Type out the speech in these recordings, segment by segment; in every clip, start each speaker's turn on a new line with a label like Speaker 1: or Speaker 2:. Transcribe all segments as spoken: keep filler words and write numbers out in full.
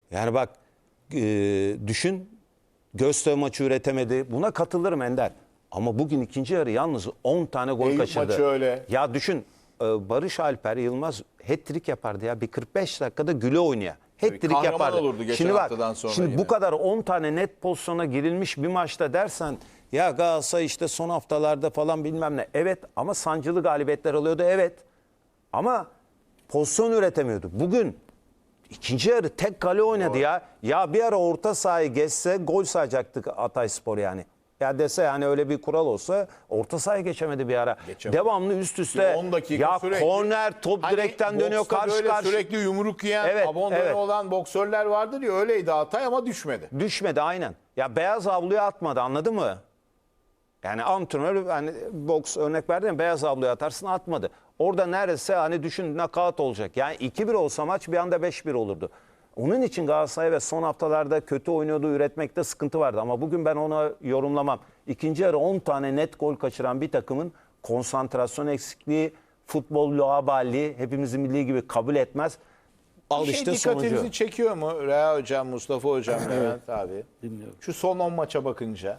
Speaker 1: Yani bak e, düşün, Göztepe maçı üretemedi. Buna katılırım Ender. Ama bugün ikinci yarı yalnız on tane gol
Speaker 2: Eyüp
Speaker 1: kaçırdı.
Speaker 2: maçı öyle.
Speaker 1: Ya düşün, e, Barış Alper Yılmaz hat-trick yapardı ya. Bir kırk beş dakikada güle oynaya. Hat-trick
Speaker 2: kahraman
Speaker 1: yapardı.
Speaker 2: olurdu geçen
Speaker 1: şimdi bak,
Speaker 2: haftadan sonra
Speaker 1: şimdi
Speaker 2: yine.
Speaker 1: bu kadar on tane net pozisyona girilmiş bir maçta dersen ya Galatasaray işte son haftalarda falan bilmem ne. Evet ama sancılı galibiyetler alıyordu, evet. Ama pozisyon üretemiyordu. Bugün ikinci yarı tek kale oynadı. Doğru. ya. Ya bir ara orta sahayı geçse gol sayacaktık Hatayspor yani. Ya dese yani öyle bir kural olsa orta sahaya geçemedi bir ara.
Speaker 2: Geçemedi.
Speaker 1: Devamlı üst üste
Speaker 2: on dakika
Speaker 1: ya
Speaker 2: sürekli,
Speaker 1: korner top
Speaker 2: hani
Speaker 1: direkten dönüyor
Speaker 2: boksta
Speaker 1: karşı
Speaker 2: böyle
Speaker 1: karşı.
Speaker 2: sürekli yumruk yiyen,
Speaker 1: Evet,
Speaker 2: abondone
Speaker 1: evet.
Speaker 2: olan boksörler vardır ya, öyleydi Hatay ama düşmedi.
Speaker 1: Düşmedi aynen. Ya beyaz havluya atmadı, anladın mı? Yani antrenör hani boks örnek verdim ya, beyaz havluya atarsın, atmadı. Orada neredeyse hani düşün knockout olacak. Yani iki bir olsa maç bir anda beş bir olurdu. Onun için Galatasaray ve son haftalarda kötü oynuyordu, üretmekte sıkıntı vardı. Ama bugün ben onu yorumlamam. İkinci yarı on tane net gol kaçıran bir takımın konsantrasyon eksikliği, futbol laubali, hepimizin milli gibi kabul etmez. Al
Speaker 2: Bir şey
Speaker 1: işte
Speaker 2: dikkatinizi
Speaker 1: sonucu.
Speaker 2: çekiyor mu Rea Hocam, Mustafa Hocam, Levent abi?
Speaker 3: Dinliyorum.
Speaker 2: Şu son on maça bakınca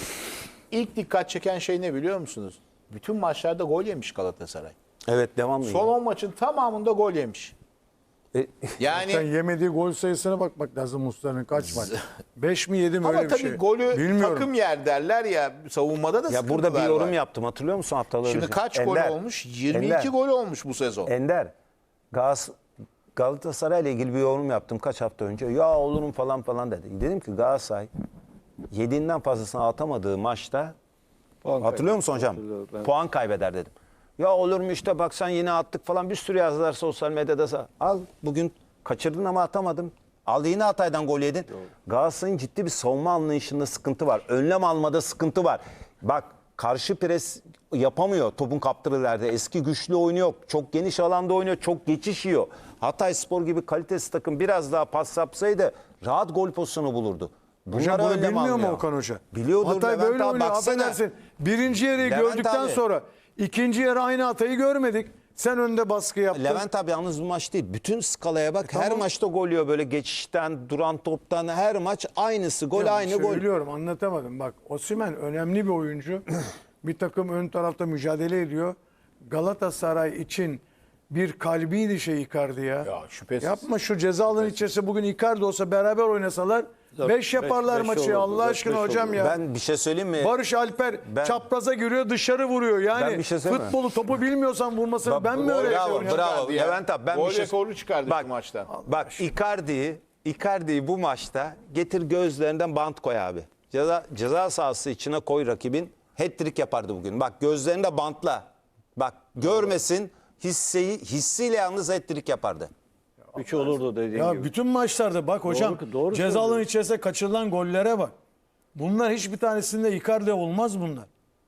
Speaker 2: ilk dikkat çeken şey ne biliyor musunuz? Bütün maçlarda gol yemiş Galatasaray.
Speaker 1: Evet, devamlı.
Speaker 2: Son on maçın tamamında gol yemiş.
Speaker 1: E,
Speaker 2: Yani
Speaker 4: Sen yemediği gol sayısına bakmak lazım Muslera'nın kaç maç? beş mi yedi mi
Speaker 2: ama
Speaker 4: öyle bir
Speaker 2: tabii
Speaker 4: şey.
Speaker 2: golü
Speaker 4: Bilmiyorum.
Speaker 2: takım yer derler ya, savunmada da
Speaker 1: Ya burada bir
Speaker 2: sıkıntılar
Speaker 1: yorum
Speaker 2: var.
Speaker 1: yaptım, hatırlıyor musun haftalar
Speaker 2: Şimdi
Speaker 1: önce?
Speaker 2: kaç
Speaker 1: Ender,
Speaker 2: gol olmuş? yirmi iki
Speaker 1: Ender,
Speaker 2: gol olmuş bu sezon.
Speaker 1: Ender, Gaz, Galatasaray ile ilgili bir yorum yaptım kaç hafta önce. Ya olurum falan falan dedi. Dedim ki Galatasaray yediğinden fazlasını atamadığı maçta
Speaker 3: Puan
Speaker 1: hatırlıyor musun hocam?
Speaker 3: Hatırlıyorum, ben.
Speaker 1: Puan kaybeder dedim. Ya olur mu işte bak sen yine attık falan bir sürü yazdılar sosyal medyada. Al bugün kaçırdın ama atamadın. Al yine Hatay'dan gol yedin. Galatasaray'ın ciddi bir savunma anlayışında sıkıntı var. Önlem almada sıkıntı var. Bak karşı pres yapamıyor topun kaptırılarda. Eski güçlü oyunu yok. Çok geniş alanda oynuyor. Çok geçiş yiyor. Hatayspor gibi kalitesi takım biraz daha pas yapsaydı rahat gol pozisyonu bulurdu.
Speaker 4: Hocam
Speaker 1: Bunlara
Speaker 4: bunu
Speaker 1: önlem
Speaker 4: bilmiyor mu
Speaker 1: almıyor.
Speaker 4: Okan Hoca?
Speaker 1: Biliyordur
Speaker 4: Hatay
Speaker 1: Levent
Speaker 4: böyle
Speaker 1: abi,
Speaker 4: oynuyor.
Speaker 1: baksana.
Speaker 4: Affedersin. Birinci yarıyı
Speaker 1: Levent
Speaker 4: gördükten
Speaker 1: abi.
Speaker 4: sonra ikinci yarı aynı Hatay'ı görmedik. Sen önde baskı yaptın.
Speaker 1: Levent abi yalnız bu maç değil. Bütün skalaya bak. Her
Speaker 4: tamam.
Speaker 1: maçta gol yiyor böyle geçişten, duran toptan. Her maç aynısı. Gol
Speaker 4: Ya
Speaker 1: aynı gol.
Speaker 4: Söylüyorum, anlatamadım. Bak Osimhen önemli bir oyuncu. Bir takım ön tarafta mücadele ediyor. Galatasaray için bir kalbiydi şey Icardi ya.
Speaker 2: Ya şüphesiz.
Speaker 4: Yapma şu ceza alanı içerisinde bugün Icardi olsa beraber oynasalar beş yaparlar
Speaker 3: beş
Speaker 4: maçı
Speaker 3: olurdu,
Speaker 4: Allah
Speaker 3: dört
Speaker 4: aşkına
Speaker 3: beş
Speaker 4: hocam
Speaker 3: olurdu.
Speaker 4: ya.
Speaker 1: Ben bir şey söyleyeyim mi?
Speaker 4: Barış Alper
Speaker 1: Ben-
Speaker 4: çapraza giriyor, dışarı vuruyor.
Speaker 1: Ben
Speaker 4: Yani
Speaker 1: bir şey söyleyeyim mi?
Speaker 4: futbolu topu bilmiyorsan vurmasını
Speaker 1: Bak,
Speaker 4: ben mi
Speaker 1: bravo,
Speaker 4: öğretiyorum ya?
Speaker 1: bravo.
Speaker 2: Çıkardı ya.
Speaker 1: Levent abi, ben
Speaker 2: Gol
Speaker 1: bir şey-
Speaker 2: rekoru çıkardı
Speaker 1: Bak,
Speaker 2: şu maçta.
Speaker 1: Bak Icardi'yi Icardi'yi bu maçta getir gözlerinden bant koy abi. Ceza, ceza sahası içine koy rakibin. Hat-trick yapardı bugün. Bak gözlerinde bantla. Bak görmesin, hisseyi hissiyle yalnız hat-trick yapardı.
Speaker 3: üç olurdu dediğin
Speaker 4: Ya
Speaker 3: gibi.
Speaker 4: bütün maçlarda bak hocam
Speaker 3: doğru
Speaker 4: ceza alanı
Speaker 3: söylüyorsun.
Speaker 4: içerisinde kaçırılan gollere bak. Bunlar hiçbir tanesinde Icardi olmaz bunlar.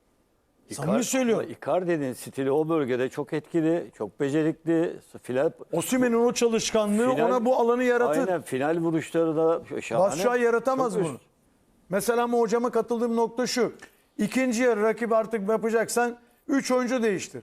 Speaker 4: Samimi söylüyorum.
Speaker 3: Icardi'nin stili o bölgede çok etkili, çok becerikli. Final,
Speaker 4: Osimhen'in o çalışkanlığı
Speaker 3: final-
Speaker 4: ona bu alanı yaratır.
Speaker 3: Aynen, final vuruşları da şahane.
Speaker 4: Batshuayi yaratamaz
Speaker 3: Çok
Speaker 4: bunu.
Speaker 3: üst.
Speaker 4: Mesela ama hocama katıldığım nokta şu. İkinci yarı rakip artık yapacaksan üç oyuncu değiştir.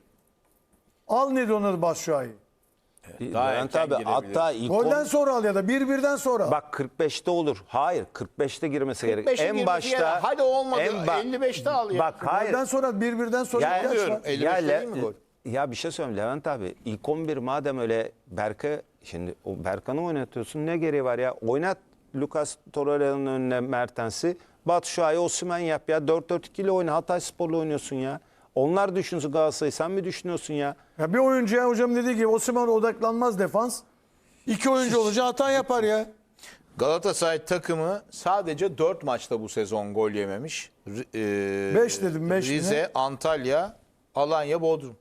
Speaker 4: Al ne onu Batshuayi.
Speaker 2: Daha
Speaker 1: Levent
Speaker 2: erken
Speaker 1: abi hatta ilk
Speaker 4: Golden
Speaker 1: on-
Speaker 4: sonra al ya da bir birden sonra. al.
Speaker 1: bak kırk beşte olur. Hayır, kırk beşte girmesi gerek.
Speaker 2: beşe
Speaker 1: En
Speaker 2: girmesi
Speaker 1: başta
Speaker 2: gerek. Hadi olmadı,
Speaker 1: en ba-
Speaker 2: elli beşte al ya.
Speaker 1: Bak hayır.
Speaker 4: Golden sonra bir birden sonra
Speaker 1: Ya,
Speaker 4: ihtiyaç
Speaker 2: diyorum,
Speaker 4: var.
Speaker 2: elli
Speaker 1: ya,
Speaker 2: beşte
Speaker 1: Le-
Speaker 2: değil mi gol?
Speaker 1: ya bir şey söyleyeyim Levent abi. İlk on bir madem öyle Berke şimdi o Berkan'ı oynatıyorsun ne gereği var ya? Oynat Lucas Torreira'nın önüne Mertens'i. Batshuayi, Osimhen yap ya. dört dört iki ile oyna. Hatayspor'la oynuyorsun ya. Onlar düşünsün Galatasaray'ı. Sen mi düşünüyorsun ya?
Speaker 4: Ya bir oyuncuya hocam dediği gibi Osimhen odaklanmaz defans. İki oyuncu olunca hata yapar ya.
Speaker 2: Galatasaray takımı sadece dört maçta bu sezon gol yememiş. R- e,
Speaker 4: Beş dedim, beş mi
Speaker 2: Rize,
Speaker 4: ne?
Speaker 2: Antalya, Alanya, Bodrum.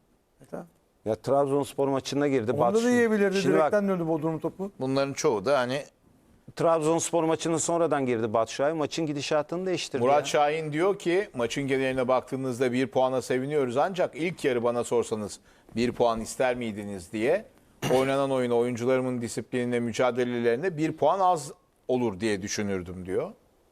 Speaker 1: Ya Trabzonspor maçına girdi.
Speaker 4: Onda da
Speaker 1: Batshuayi.
Speaker 4: yiyebilirdi.
Speaker 1: Şimdi bak,
Speaker 4: Direkten döndü Bodrum topu.
Speaker 2: Bunların çoğu da hani
Speaker 1: Trabzonspor maçının sonradan girdi Batshuayi. Maçın gidişatını değiştirdi.
Speaker 2: Murat
Speaker 1: ya.
Speaker 2: Şahin diyor ki maçın geneline baktığınızda bir puana seviniyoruz ancak ilk yarı bana sorsanız bir puan ister miydiniz diye oynanan oyuna, oyuncularımın disiplinine, mücadelelerine bir puan az olur diye düşünürdüm diyor.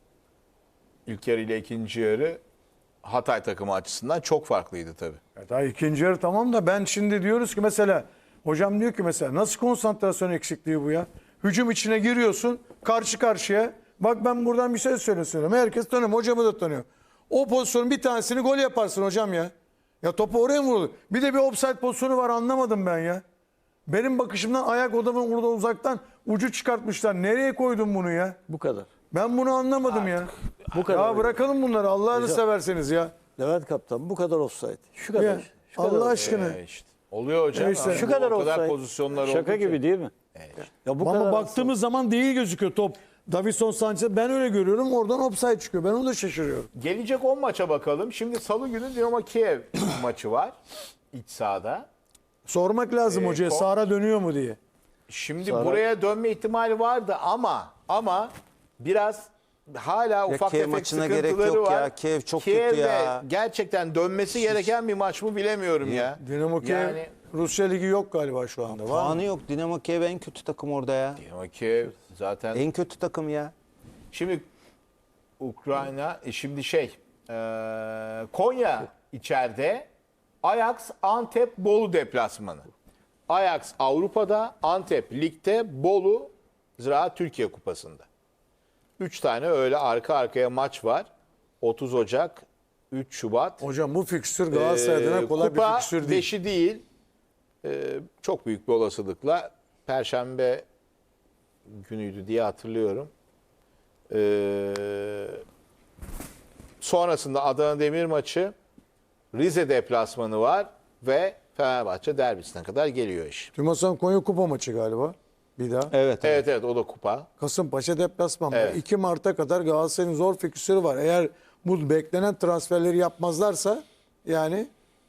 Speaker 2: İlk yarı ile ikinci yarı Hatay takımı açısından çok farklıydı tabii.
Speaker 4: Ya daha ikinci yarı tamam da ben şimdi diyoruz ki mesela hocam diyor ki mesela nasıl konsantrasyon eksikliği bu ya? Hücum içine giriyorsun. Karşı karşıya. Bak ben buradan bir şey söyle söylüyorum. Herkes tanıyor. Hocamı da tanıyor. O pozisyonun bir tanesini gol yaparsın hocam ya. Ya topu oraya mı vurulur? Bir de bir offside pozisyonu var, anlamadım ben ya. Benim bakışımdan ayak odamın burada uzaktan ucu çıkartmışlar. Nereye koydun bunu ya?
Speaker 3: Bu kadar.
Speaker 4: Ben bunu anlamadım ya.
Speaker 3: Bu kadar.
Speaker 4: Ya bırakalım bunları Allah'ını
Speaker 3: Hocam.
Speaker 4: severseniz ya.
Speaker 3: Levent Kaptan bu kadar offside. Şu kadar.
Speaker 4: Ya,
Speaker 3: işte, şu kadar
Speaker 4: Allah
Speaker 3: offside.
Speaker 4: aşkına.
Speaker 2: Ee, işte. Oluyor hocam.
Speaker 4: Neyse.
Speaker 2: Ama
Speaker 3: Şu
Speaker 2: bu
Speaker 3: kadar
Speaker 2: o kadar
Speaker 3: offside.
Speaker 2: pozisyonlar
Speaker 3: Şaka
Speaker 2: oldu ki.
Speaker 3: gibi değil mi? Ya bu
Speaker 4: Ama
Speaker 3: kadar
Speaker 4: baktığımız zaman değil gözüküyor top. Davinson Sanchez, ben öyle görüyorum, oradan offside çıkıyor. Ben onu da şaşırıyorum.
Speaker 2: Gelecek on maça bakalım. Şimdi Salı günü Dinamo Kiev maçı var. İç sahada.
Speaker 4: Sormak lazım
Speaker 2: Ee,
Speaker 4: hocaya
Speaker 2: ko-
Speaker 4: Sara dönüyor mu diye.
Speaker 2: Şimdi
Speaker 3: Sonra-
Speaker 2: buraya dönme ihtimali vardı ama ama biraz hala ufak
Speaker 1: Kiev
Speaker 2: tefek
Speaker 1: maçına
Speaker 2: sıkıntıları
Speaker 1: gerek yok
Speaker 2: var.
Speaker 1: ya. Kiev çok kötü
Speaker 2: Kiev'de
Speaker 1: ya.
Speaker 2: gerçekten dönmesi gereken bir maç mı bilemiyorum ya.
Speaker 4: Dinamo Kiev,
Speaker 2: Yani
Speaker 4: Rusya Ligi yok galiba şu anda. Var mı?
Speaker 1: Puanı yok. Dinamo Kiev en kötü takım orada ya.
Speaker 2: Dinamo Kiev zaten
Speaker 1: En kötü takım ya.
Speaker 2: şimdi Ukrayna e, şimdi şey e, Konya içeride, Ajax Antep Bolu deplasmanı. Ajax Avrupa'da, Antep Lig'de, Bolu Ziraat Türkiye Kupası'nda. Üç tane öyle arka arkaya maç var. otuz Ocak, üç Şubat.
Speaker 4: Hocam bu fikstür Galatasaray adına
Speaker 2: Ee,
Speaker 4: kolay
Speaker 2: Kupa
Speaker 4: bir fikstür değil.
Speaker 2: beşi değil. Ee, çok büyük bir olasılıkla Perşembe günüydü diye hatırlıyorum. Ee, sonrasında Adana Demir maçı, Rize deplasmanı var ve Fenerbahçe derbisine kadar geliyor iş.
Speaker 4: Tümasan Konya Kupa maçı galiba. Bir daha.
Speaker 1: Evet.
Speaker 2: Evet evet o da kupa.
Speaker 4: Kasımpaşa deplasmanı.
Speaker 2: Evet.
Speaker 4: iki Mart'a kadar Galatasaray'ın zor fikstürü var. Eğer bu beklenen transferleri yapmazlarsa yani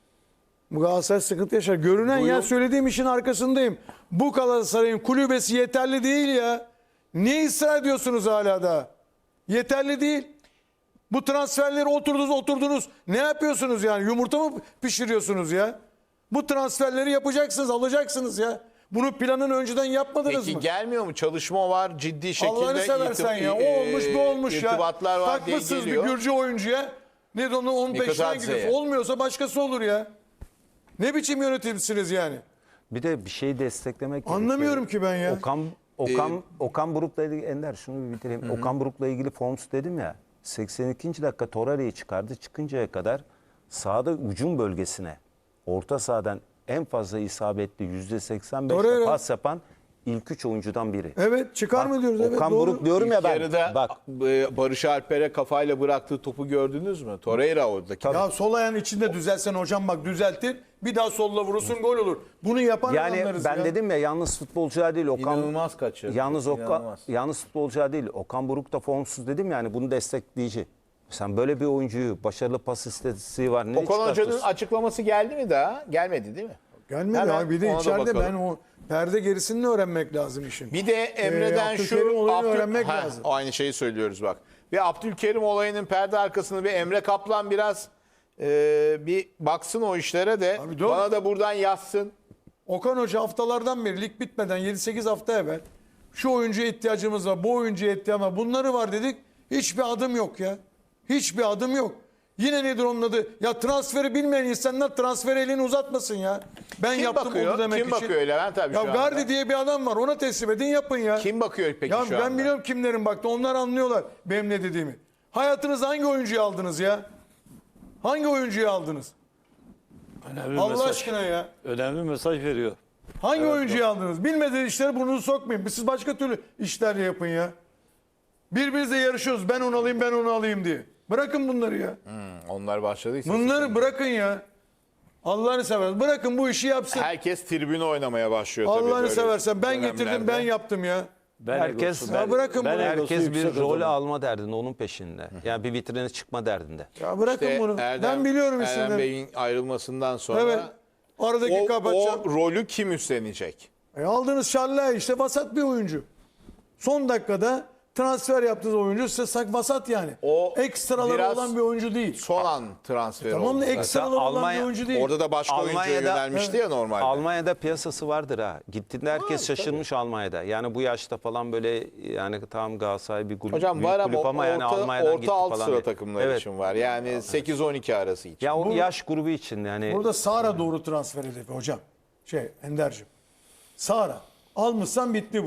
Speaker 4: bu Galatasaray sıkıntı yaşar. Görünen
Speaker 2: Duyum-
Speaker 4: ya, söylediğim işin arkasındayım. Bu Galatasaray'ın kulübesi yeterli değil ya. Niye ısrar ediyorsunuz hala da? Yeterli değil. Bu transferleri oturdunuz oturdunuz. Ne yapıyorsunuz yani? Yumurta mı pişiriyorsunuz ya? Bu transferleri yapacaksınız, alacaksınız ya. Bunun planını önceden yapmadınız
Speaker 2: Peki
Speaker 4: mı?
Speaker 2: gelmiyor mu? Çalışma var, ciddi şekilde
Speaker 4: Allah'ını seversen
Speaker 2: irtib-
Speaker 4: ya. O olmuş bu olmuş ya.
Speaker 2: irtibatlar var diye
Speaker 4: Takmışsınız bir
Speaker 2: geliyor.
Speaker 4: Gürcü oyuncuya. Ne de onun, onun peşinden
Speaker 2: Mikotadze'ye.
Speaker 4: gidiyorsun. Olmuyorsa başkası olur ya. Ne biçim yönetimsiniz yani?
Speaker 1: Bir de bir şeyi desteklemek
Speaker 4: Anlamıyorum ki ben ya.
Speaker 1: Okan Okan Okan Buruk'la ilgili Ender şunu bir bitireyim. Okan Buruk'la ilgili Forms dedim ya. seksen ikinci dakika Torreira'yı çıkardı. Çıkıncaya kadar sahada hücum bölgesine orta sahadan en fazla isabetli yüzde seksen beşle
Speaker 4: Torreira.
Speaker 1: pas yapan ilk üç oyuncudan biri.
Speaker 4: Evet, çıkar mı diyoruz? Evet,
Speaker 1: Okan
Speaker 4: doğru.
Speaker 1: Buruk diyorum ya
Speaker 2: İlk
Speaker 1: ben.
Speaker 2: yarıda
Speaker 1: Bak
Speaker 2: e, Barış Alper'e kafayla bıraktığı topu gördünüz mü? Torreira oradaki.
Speaker 4: Ya sol ayağın içinde düzelsen hocam, bak düzeltir. Bir daha solla vurursun, gol olur. Bunu yapan
Speaker 1: yani
Speaker 4: adamlarız
Speaker 1: ben
Speaker 4: ya.
Speaker 1: dedim ya, yalnız futbolcuya değil Okan.
Speaker 2: İnanılmaz kaçırdı.
Speaker 1: Yalnız Okan,
Speaker 2: İnanılmaz.
Speaker 1: yalnız futbolcuya değil Okan Buruk da formsuz dedim yani, bunu destekleyici. Sen böyle bir oyuncuyu, başarılı pas istatistiği var. Ne
Speaker 2: Okan Hoca'nın
Speaker 1: çıkartırsın?
Speaker 2: açıklaması geldi mi daha? Gelmedi değil mi?
Speaker 4: Gelmedi
Speaker 2: Hemen
Speaker 4: abi. Bir de
Speaker 2: ona da
Speaker 4: içeride
Speaker 2: bakalım.
Speaker 4: ben o perde gerisini öğrenmek lazım işin.
Speaker 2: Bir de Emre'den
Speaker 4: Ee,
Speaker 2: şu
Speaker 4: Abdülkerim olayını öğrenmek
Speaker 2: Ha,
Speaker 4: lazım.
Speaker 2: aynı şeyi söylüyoruz bak. Ve Abdülkerim olayının perde arkasını bir Emre Kaplan biraz e, bir baksın o işlere de
Speaker 4: Abi doğru.
Speaker 2: bana da buradan yazsın.
Speaker 4: Okan Hoca haftalardan beri, lig bitmeden yedi sekiz hafta evvel şu oyuncuya ihtiyacımız var, bu oyuncuya ihtiyacımız var, bunları var dedik. Hiçbir adım yok ya. Hiçbir adım yok. Yine nedir onun adı? Ya transferi bilmeyen insanlar transfer elini uzatmasın ya. Ben
Speaker 2: Kim
Speaker 4: yaptım
Speaker 2: bakıyor?
Speaker 4: onu demek
Speaker 2: Kim
Speaker 4: için.
Speaker 2: bakıyor Levent abi
Speaker 4: Ya
Speaker 2: şu anda?
Speaker 4: Gardi diye bir adam var, ona teslim edin, yapın ya.
Speaker 2: Kim bakıyor peki
Speaker 4: Ya
Speaker 2: şu
Speaker 4: ben
Speaker 2: anda?
Speaker 4: biliyorum kimlerin baktı, onlar anlıyorlar benim ne dediğimi. Hayatınızda hangi oyuncuyu aldınız ya? Hangi oyuncuyu aldınız?
Speaker 3: Önemli
Speaker 4: Allah
Speaker 3: mesaj.
Speaker 4: aşkına ya.
Speaker 3: Önemli mesaj veriyor.
Speaker 4: Hangi oyuncuyu aldınız? Bilmediğiniz işlere burnunuzu sokmayın. Siz başka türlü işler yapın ya. Birbirinizle yarışıyoruz. Ben onu alayım, ben onu alayım diye. Bırakın bunları ya.
Speaker 2: Hmm, onlar başladıysa.
Speaker 4: Bunları bırakın ya. Allah'ını seversen bırakın bu işi yapsın.
Speaker 2: Herkes tribüne oynamaya başlıyor tabii.
Speaker 4: Allah'ını
Speaker 2: böyle
Speaker 4: seversen ben getirdim,
Speaker 2: dönemlerde.
Speaker 4: ben yaptım ya.
Speaker 3: Ben
Speaker 1: Herkes-
Speaker 3: egosu,
Speaker 1: Ya
Speaker 4: bırakın bunu.
Speaker 3: egosu
Speaker 1: Herkes bir
Speaker 3: yüksek
Speaker 1: rol
Speaker 3: adamım.
Speaker 1: alma derdinde, onun peşinde. Yani bir vitrine çıkma derdinde.
Speaker 4: Ya bırakın
Speaker 2: İşte
Speaker 4: bunu.
Speaker 2: Erdem-
Speaker 4: ben biliyorum
Speaker 2: Erdem
Speaker 4: isimleri.
Speaker 2: Bey'in ayrılmasından sonra
Speaker 4: Evet. Aradaki
Speaker 2: o,
Speaker 4: kapatacağım.
Speaker 2: o rolü kim üstlenecek?
Speaker 4: E aldığınız Şallay işte vasat bir oyuncu. Son dakikada transfer yaptığınız oyuncu size sak vasat yani.
Speaker 2: O
Speaker 4: Ekstraları
Speaker 2: biraz
Speaker 4: olan bir oyuncu değil.
Speaker 2: Son an transferi
Speaker 4: Tamam
Speaker 2: oldu.
Speaker 4: da ekstraları olan
Speaker 1: Almanya-
Speaker 4: bir oyuncu değil.
Speaker 2: Orada da başka oyuncuya
Speaker 1: Almanya'da-
Speaker 2: yönelmişti ya normalde.
Speaker 1: Almanya'da piyasası vardır ha. Gittiğinde herkes şaşırmış Almanya'da. Yani bu yaşta falan böyle, yani tam Galatasaray bir kulüp,
Speaker 2: Hocam
Speaker 1: büyük
Speaker 2: var ama
Speaker 1: kulüp ama yani
Speaker 2: orta,
Speaker 1: Almanya'dan gitti
Speaker 2: orta alt
Speaker 1: falan
Speaker 2: sıra
Speaker 1: diye.
Speaker 2: takımları
Speaker 1: Evet.
Speaker 2: için var. Yani sekiz on iki arası için.
Speaker 1: Ya o yaş grubu için yani.
Speaker 4: Burada Sara doğru transfer hedefi hocam. Şey Ender'cim. Sara. Almışsan bitti bu iş.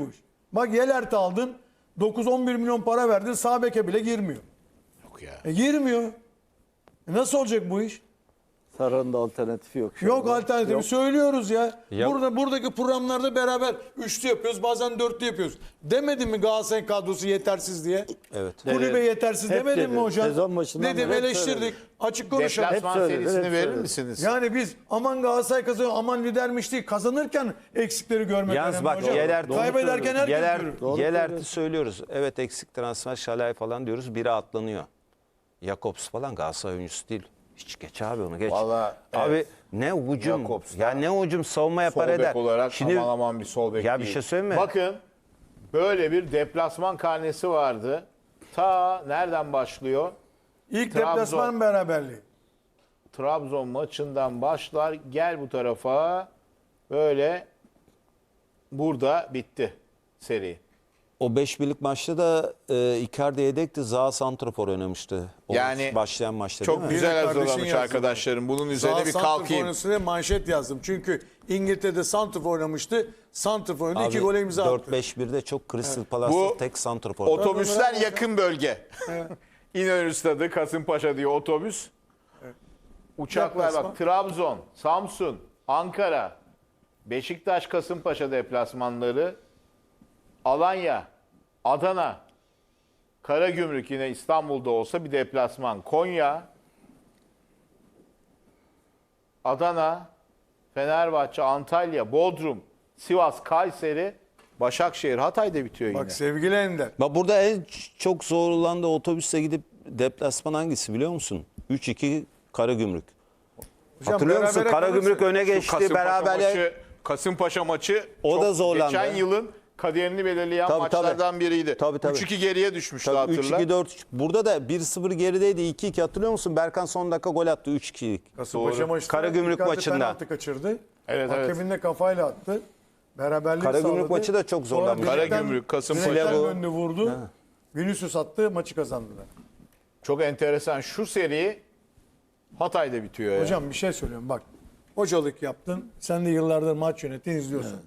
Speaker 4: Bak Yelert'i aldın. dokuz on bir milyon para verdin. Sağ beke bile girmiyor.
Speaker 2: Yok ya.
Speaker 4: E girmiyor. E nasıl olacak bu iş?
Speaker 3: Sarı'nın da alternatifi yok. şu
Speaker 4: Yok
Speaker 3: anda.
Speaker 4: alternatifi
Speaker 3: Yok.
Speaker 4: söylüyoruz ya.
Speaker 1: Ya-
Speaker 4: Burada buradaki programlarda beraber üçlü yapıyoruz, bazen dörtlü yapıyoruz. Demedin mi Galatasaray kadrosu yetersiz diye?
Speaker 1: Evet.
Speaker 4: Kulübe
Speaker 3: Dedi.
Speaker 4: yetersiz
Speaker 3: Hep
Speaker 4: demedin
Speaker 3: dedi.
Speaker 4: mi hocam?
Speaker 3: Sezon başından
Speaker 4: Dedim,
Speaker 3: beri hep
Speaker 4: eleştirdik.
Speaker 3: söyledi.
Speaker 4: Açık konuşalım.
Speaker 2: Deplasman
Speaker 3: Hep söyledi,
Speaker 2: serisini
Speaker 3: hep
Speaker 2: verir
Speaker 3: söyledi.
Speaker 2: misiniz?
Speaker 4: Yani biz aman Galatasaray kazanıyor, aman lidermiş değil. Kazanırken eksikleri görmek
Speaker 1: Yalnız
Speaker 4: önemli
Speaker 1: bak
Speaker 4: hocam.
Speaker 1: Yeler,
Speaker 4: Kaybederken herkes
Speaker 1: Yeler,
Speaker 4: görür.
Speaker 3: Doğru
Speaker 1: Yelert'i
Speaker 3: söylüyorsun.
Speaker 1: söylüyoruz. Evet eksik transfer Şalay falan diyoruz. Biri atlanıyor. Jakobs falan Galatasaray oyuncusu değil. Hiç geç abi onu geç.
Speaker 2: Vallahi,
Speaker 1: abi
Speaker 2: evet.
Speaker 1: ne ucum
Speaker 2: Jakobs da
Speaker 1: ya ne ucum savunma yapar
Speaker 2: Sol
Speaker 1: eder.
Speaker 2: bek olarak
Speaker 1: Şimdi
Speaker 2: aman aman bir sol bek
Speaker 1: ya bir
Speaker 2: değil.
Speaker 1: şey söyleyeyim mi?
Speaker 2: Bakın böyle bir deplasman karnesi vardı. Ta nereden başlıyor?
Speaker 4: İlk
Speaker 2: Trabzon.
Speaker 4: deplasman beraberliği.
Speaker 2: Trabzon maçından başlar. Gel bu tarafa. Böyle burada bitti seri.
Speaker 1: O beş birlik maçta da e, Icardi yedekti. Zaha santrafor oynamıştı. O
Speaker 2: Yani
Speaker 1: başlayan maçta
Speaker 2: Çok
Speaker 1: değil mi?
Speaker 2: güzel
Speaker 4: Bir de kardeşin
Speaker 2: hazırlamış
Speaker 4: yazdı.
Speaker 2: arkadaşlarım. Bunun üzerine
Speaker 4: Sağ
Speaker 2: bir
Speaker 4: santrfor
Speaker 2: kalkayım.
Speaker 4: oynasın diye manşet yazdım. Çünkü İngiltere'de santrfor oynamıştı. Santrfor oynadı. iki
Speaker 1: Abi,
Speaker 4: gole imza attı.
Speaker 1: dört beş birde çok Crystal Palace'ta
Speaker 2: Bu
Speaker 1: tek santrafor.
Speaker 2: Otobüsler yakın bölge. İnönü Stadı, Kasımpaşa diye otobüs. Uçaklar
Speaker 4: Deplasman.
Speaker 2: bak Trabzon, Samsun, Ankara, Beşiktaş, Kasımpaşa deplasmanları, Alanya, Adana, Karagümrük yine İstanbul'da olsa bir deplasman. Konya, Adana, Fenerbahçe, Antalya, Bodrum, Sivas, Kayseri, Başakşehir, Hatay'da bitiyor yine.
Speaker 4: Bak sevgili Ender.
Speaker 1: Bak burada en çok zorlandığı otobüse gidip deplasman hangisi biliyor musun? üç iki Karagümrük.
Speaker 4: Hocam
Speaker 1: Hatırlıyor musun?
Speaker 4: berabere
Speaker 1: Karagümrük
Speaker 4: kalırsa-
Speaker 1: öne geçti.
Speaker 2: Kasımpaşa
Speaker 1: Beraber
Speaker 2: maçı, Kasımpaşa maçı
Speaker 1: O
Speaker 2: çok
Speaker 1: da zorlandı.
Speaker 2: geçen yılın kaderini belirleyen
Speaker 1: Tabii,
Speaker 2: maçlardan
Speaker 1: tabii.
Speaker 2: biriydi.
Speaker 1: Tabii, tabii.
Speaker 2: üç iki geriye düşmüştü
Speaker 1: Tabii üç
Speaker 2: hatırla.
Speaker 1: iki dört üç. Burada da bir sıfır gerideydi. iki iki hatırlıyor musun? Berkan son dakika gol attı üç ikilik.
Speaker 4: Kasımpaşa
Speaker 2: Doğru.
Speaker 4: maçında
Speaker 1: Karagümrük
Speaker 4: Icardi
Speaker 1: maçında.
Speaker 4: penaltı kaçırdı.
Speaker 2: Evet, evet.
Speaker 4: Hakemin de kafayla attı. Beraberlik
Speaker 1: Karagümrük
Speaker 4: sağladı.
Speaker 1: maçı da çok
Speaker 4: Sonra
Speaker 1: zorlanmış.
Speaker 4: direkten-
Speaker 2: Karagümrük, Kasımpaşa.
Speaker 4: direkten
Speaker 1: Silavo.
Speaker 4: önünü vurdu. Vinicius attı, maçı kazandılar.
Speaker 2: Çok enteresan. Şu seri Hatay'da bitiyor ya.
Speaker 4: Hocam bir şey söylüyorum bak. Hocalık yaptın. Sen de yıllardır maç yönettin, izliyorsun.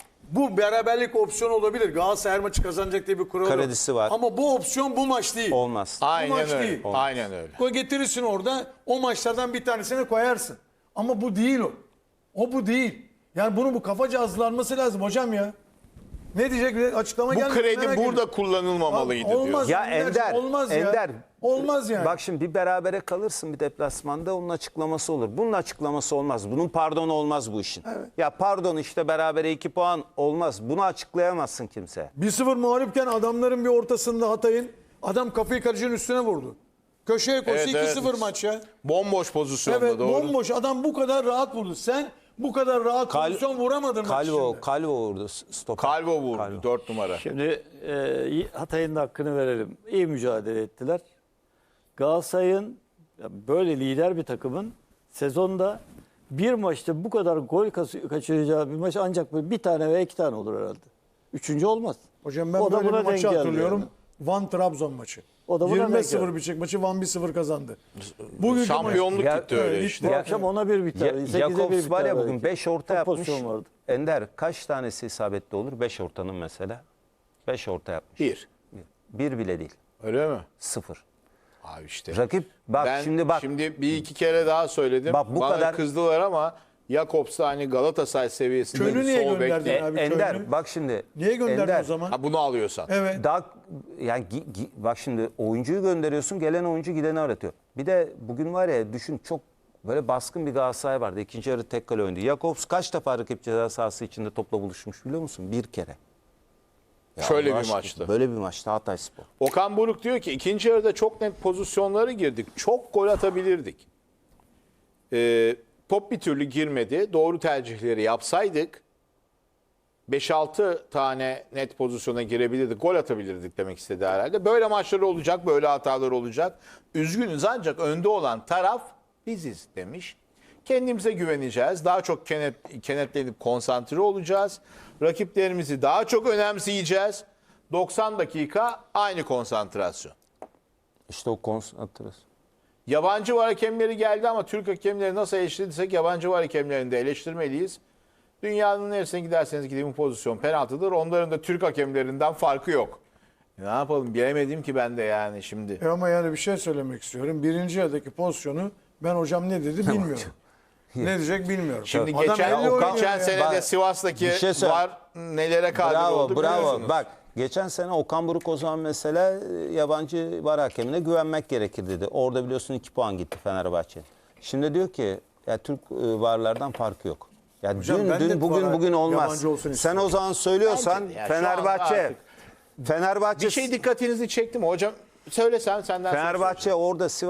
Speaker 4: Bu beraberlik opsiyonu olabilir. Galatasaray her maçı kazanacak diye bir kural yok.
Speaker 1: Kredisi var.
Speaker 4: Ama bu opsiyon bu maç değil.
Speaker 1: Olmaz.
Speaker 2: Aynen
Speaker 4: maç
Speaker 2: öyle.
Speaker 4: değil.
Speaker 2: Aynen öyle.
Speaker 4: Gol getirirsin orada. O maçlardan bir tanesini koyarsın. Ama bu değil o. O bu değil. Yani bunun bu kafaca hazırlanması lazım hocam ya. Ne diyecek? Açıklama
Speaker 2: Bu
Speaker 4: gelmedi.
Speaker 2: kredi
Speaker 4: merak
Speaker 2: burada
Speaker 4: ediyorum.
Speaker 2: kullanılmamalıydı
Speaker 4: Abi, olmaz.
Speaker 2: diyor.
Speaker 1: Ya
Speaker 4: Ender,
Speaker 1: Ender,
Speaker 4: olmaz ya.
Speaker 1: Ender.
Speaker 4: Olmaz yani.
Speaker 1: Bak şimdi bir berabere kalırsın bir deplasmanda onun açıklaması olur. Bunun açıklaması olmaz. Bunun pardonu olmaz bu işin. Ya pardon işte berabere iki puan olmaz. Bunu açıklayamazsın kimse.
Speaker 4: bir sıfır mağlupken adamların bir ortasında Hatay'ın adam kafayı kalecinin üstüne vurdu. Köşeye koştu
Speaker 2: Evet,
Speaker 4: iki sıfır
Speaker 2: evet.
Speaker 4: maç ya.
Speaker 2: Bomboş pozisyonda
Speaker 4: Evet
Speaker 2: doğru.
Speaker 4: bomboş adam bu kadar rahat vurdu. Sen bu kadar rahat
Speaker 1: Kal-
Speaker 4: pozisyon vuramadın maç
Speaker 1: Calvo,
Speaker 4: içinde.
Speaker 1: Calvo vurdu stoper.
Speaker 2: Calvo vurdu
Speaker 1: Calvo.
Speaker 2: dört numara.
Speaker 3: Şimdi e, Hatay'ın da hakkını verelim. İyi mücadele ettiler. Galatasaray'ın ya böyle lider bir takımın sezonda bir maçta bu kadar gol kas- kaçıracağı bir maç ancak böyle bir tane veya iki tane olur herhalde. Üçüncü olmaz.
Speaker 4: Hocam ben
Speaker 3: O da
Speaker 4: böyle
Speaker 3: buna
Speaker 4: bir maçı
Speaker 3: denk geldi
Speaker 4: hatırlıyorum.
Speaker 3: yani.
Speaker 4: Van Trabzon maçı.
Speaker 3: O da buna
Speaker 4: yirmi
Speaker 3: denk
Speaker 4: sıfır
Speaker 3: geldi.
Speaker 4: bitecek maçı Van bir sıfır kazandı. Bugünkü
Speaker 2: Şampiyonluk
Speaker 1: Ya-
Speaker 2: gitti öyle
Speaker 4: Evet,
Speaker 2: işte.
Speaker 3: Bu akşam ona bir biter.
Speaker 1: Ya,
Speaker 3: sekize bir
Speaker 1: Jakobs
Speaker 3: biter
Speaker 1: var ya
Speaker 3: belki.
Speaker 1: bugün beş orta
Speaker 3: Çok
Speaker 1: yapmış.
Speaker 3: pozisyon vardı.
Speaker 1: Ender kaç tanesi isabetli olur? beş ortanın mesela. beş orta yapmış.
Speaker 2: Bir.
Speaker 1: Bir bile değil.
Speaker 2: Öyle mi?
Speaker 1: Sıfır.
Speaker 2: Abi işte.
Speaker 1: Rakip bak
Speaker 2: ben
Speaker 1: şimdi bak.
Speaker 2: Şimdi bir iki kere daha söyledim.
Speaker 1: Bak bu
Speaker 2: Bana
Speaker 1: kadar-
Speaker 2: kızdılar ama Jakobs da hani Galatasaray seviyesinde
Speaker 4: Könü
Speaker 2: bir
Speaker 4: niye
Speaker 2: sol bek
Speaker 4: gönderdin
Speaker 2: değil.
Speaker 1: E,
Speaker 4: abi
Speaker 1: Ender
Speaker 4: Köln'ü?
Speaker 1: bak şimdi.
Speaker 4: Niye gönderdin
Speaker 1: Ender,
Speaker 4: o zaman?
Speaker 2: Ha, bunu alıyorsan.
Speaker 4: Evet.
Speaker 1: Daha yani gi- gi- bak şimdi oyuncuyu gönderiyorsun, gelen oyuncu gideni aratıyor. Bir de bugün var ya düşün çok böyle baskın bir Galatasaray vardı. İkinci yarı tek kale oynadı. Jakobs kaç defa rakip ceza sahası içinde topla buluşmuş biliyor musun? Bir kere. Ya
Speaker 2: Şöyle
Speaker 1: Allah
Speaker 2: bir
Speaker 1: aşkına,
Speaker 2: maçta.
Speaker 1: Böyle bir maçta Hatayspor.
Speaker 2: Okan Buruk diyor ki ikinci yarıda çok net pozisyonlara girdik. Çok gol atabilirdik. Ee, top bir türlü girmedi. Doğru tercihleri yapsaydık beş altı tane net pozisyona girebilirdik. Gol atabilirdik demek istedi herhalde. Böyle maçlar olacak, böyle hatalar olacak. Üzgünüz ancak önde olan taraf biziz demiş. Kendimize güveneceğiz. Daha çok kenet, kenetlenip konsantre olacağız. Rakiplerimizi daha çok önemseyeceğiz. doksan dakika aynı konsantrasyon.
Speaker 1: İşte o konsantrasyon.
Speaker 2: Yabancı var hakemleri geldi ama Türk hakemleri nasıl eleştirdiysek yabancı var hakemlerini de eleştirmeliyiz. Dünyanın neresine giderseniz gidin bu pozisyon penaltıdır. Onların da Türk hakemlerinden farkı yok. Ne yapalım bilemedim ki ben de yani şimdi.
Speaker 4: E ama yani bir şey söylemek istiyorum. Birinci yarıdaki pozisyonu ben hocam ne dedi bilmiyorum. Ne diyecek bilmiyorum.
Speaker 2: Şimdi
Speaker 4: Adam
Speaker 2: geçen,
Speaker 4: elle oynuyor
Speaker 2: geçen
Speaker 4: ya.
Speaker 2: sene de
Speaker 1: Bak,
Speaker 2: Sivas'taki
Speaker 1: bir şey söyle.
Speaker 2: var nelere kadir
Speaker 1: Bravo,
Speaker 2: oldu
Speaker 1: bravo.
Speaker 2: biliyorsunuz.
Speaker 1: Bak geçen sene Okan Buruk o zaman mesela e, yabancı var hakemine güvenmek gerekir dedi. Orada biliyorsun iki puan gitti Fenerbahçe. Şimdi diyor ki ya Türk e, varlardan farkı yok. Ya
Speaker 4: Hocam
Speaker 1: dün
Speaker 4: ben de
Speaker 1: dün bugün
Speaker 4: vara
Speaker 1: bugün olmaz.
Speaker 4: yabancı olsun
Speaker 1: Sen
Speaker 4: istiyorum.
Speaker 1: o zaman söylüyorsan
Speaker 2: Bence de ya, şu anda
Speaker 1: Fenerbahçe
Speaker 2: artık
Speaker 1: Fenerbahçe
Speaker 2: Bir şey dikkatinizi çekti mi hocam? Söyle sen senden sonra
Speaker 1: Fenerbahçe orada Sivas